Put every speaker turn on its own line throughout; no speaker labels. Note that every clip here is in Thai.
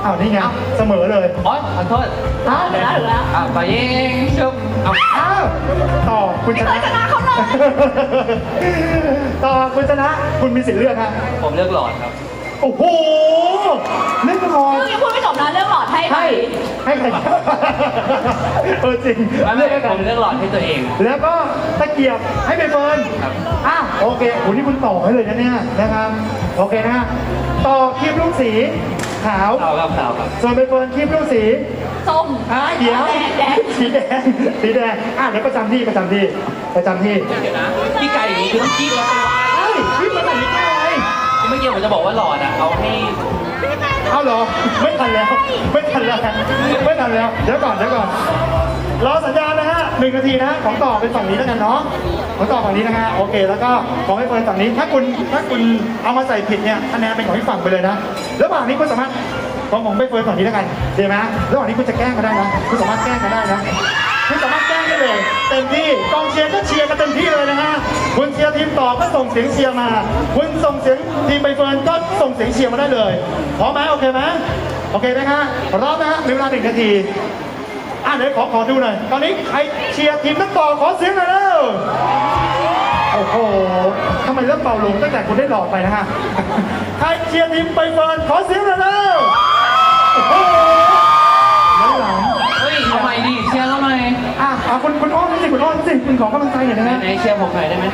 อ้าวนี่ไงเสมอเลย
อ๋อขอโทษ
อ้าว
ถึงแล้ว
ไปยิงชุบเอา
อ้าวต่อคุณช
ไม่
นะ
เคยชนะเขาเลย
ต่อคุณชนะคุณมีสิทธิ์เลือกฮะ
ผมเลือกหลอดครับ
โอ้โหเล่นละคร
ยังพูดไม่จบนะเรื่องหลอดให้ใคร
ให้ใครจริง
ไม่
ให้
ผมเลือกหลอดให้ตัวเอง
แล้วก็ตะเกียบให้ใบเฟิร์น
ครับ
โอเคโอ้นี่คุณต่อให้เลยนะเนี่ยนะครับโอเคนะฮะต่อครีมลูกสีขาว
ขาวครับ
ส่วนใบเฟิร์นครีมลูกสี
ส้ม
เดี๋ยว
แดง
สีแดงสีแดงเดี๋ยวประจำที่
เดี๋ยวนะพี่ไก่อย่างนี้คือต้องคีบแล้ว
เฮ้ยพี่มาไหนนี่แก้วอะไร
เมื่อกี้ผมจะบอกว่าหลอดอ่ะเอาให้
เอาเหรอไม่ทันแล้วไม่ทันแล้วเดี๋ยวก่อนรอสัญญาณนะฮะ1 นาทีนะของต่อเป็นฝั่งนี้แล้วกันเนาะของต่อฝั่งนี้นะฮะโอเคแล้วก็ของให้เฟิร์นฝั่งนี้ถ้าคุณเอามาใส่ผิดเนี่ยคะแนนเป็นของที่ฝั่งไปเลยนะระหว่างนี้คุณสามารถของไปเฟิร์นฝั่งนี้แล้วกันดีไหมระหว่างนี้คุณจะแกล้งก็ได้นะคุณสามารถแกล้งก็ได้นะคุณสามารถแกล้งได้เลยเต็มที่กองเชียร์ก็เชียร์กันเต็มที่เลยนะฮะคุณเชียร์ทีมต่อก็ส่งเสียงเชียร์มาคุณส่งเสียงทีมใบเฟิร์นก็ส่งเสียงเชียร์มาได้เลยพร้อมไหมโอเคไหมโอเคไหมฮะพร้อมนะฮะมีเวลา1 นาทีเดี๋ยวขอดูหน่อยตอนนี้ใครเชียร์ทีมนักต่อขอเสียงหน่อยเร็วโอ้โหทำไมเริ่มเบาลงตั้งแต่คุณได้หลอดไปนะฮะใครเชียร์ทีมใบเฟิร์นขอเสียงหน่อยเร็วโอ้โหหลัง
เฮ้ยทำไมดิเชียร์ทำไม
คุณอ้อมสิคุณขอกำลังใจหน่อยนะฮะ
ไหนเชียร์ผมหน่อยได้ไหม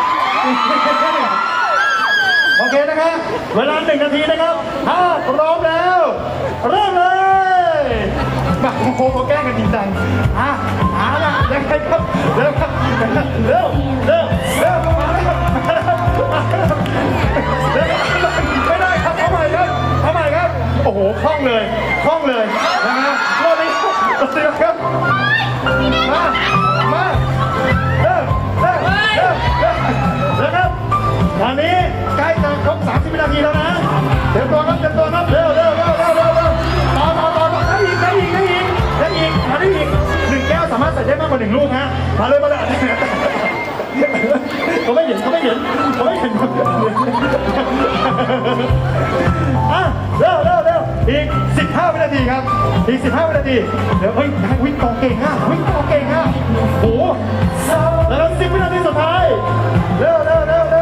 โอเคนะครับเวลา1 นาทีนะครับถ้าพร้อมแล้วเริ่มเลยมาโอ้โหแกล้งกันจริงจังเอาล่ะยังไงครับเร็วครับเร็วมาเลยครับไม่ได้ครับเอาใหม่ครับโอ้โหคล่องเลยนะฮะรอบนี้เสียครับมาครับตอนนี้ใกล้จะครบ30 วินาทีแล้วนะเตรียมตัวครับเร็วต่อได้อีก1 แก้วสามารถใส่ได้มากกว่า1 ลูกฮะมาเลยเขาไม่เห็นเร็วอีก15 วินาทีครับอีก15 วินาทีเดี๋ยววิ่งต่อเก่งโอ้โหแล้ว10 วินาทีสุดท้ายเร็ว5 4 3 2 1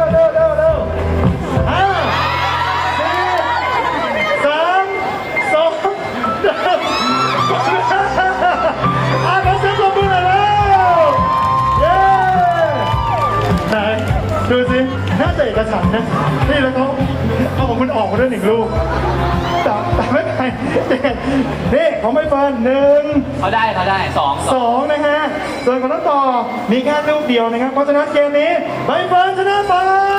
ขอเสียงปรบมือหน่อยแล้วเย้ไหนดูสิน่าจะเอกฉันท์นะนี่แล้วเขาเอาของคุณออกมาด้วย1 ลูกแต่ไม่เป็นไรนี่ของใบเฟิร์น1
เขาได้2
นะฮะส่วนของน้องต่อมีแค่ลูกเดียวนะครับเพราะฉะนั้นเกมนี้ใบเฟิร์นชนะไป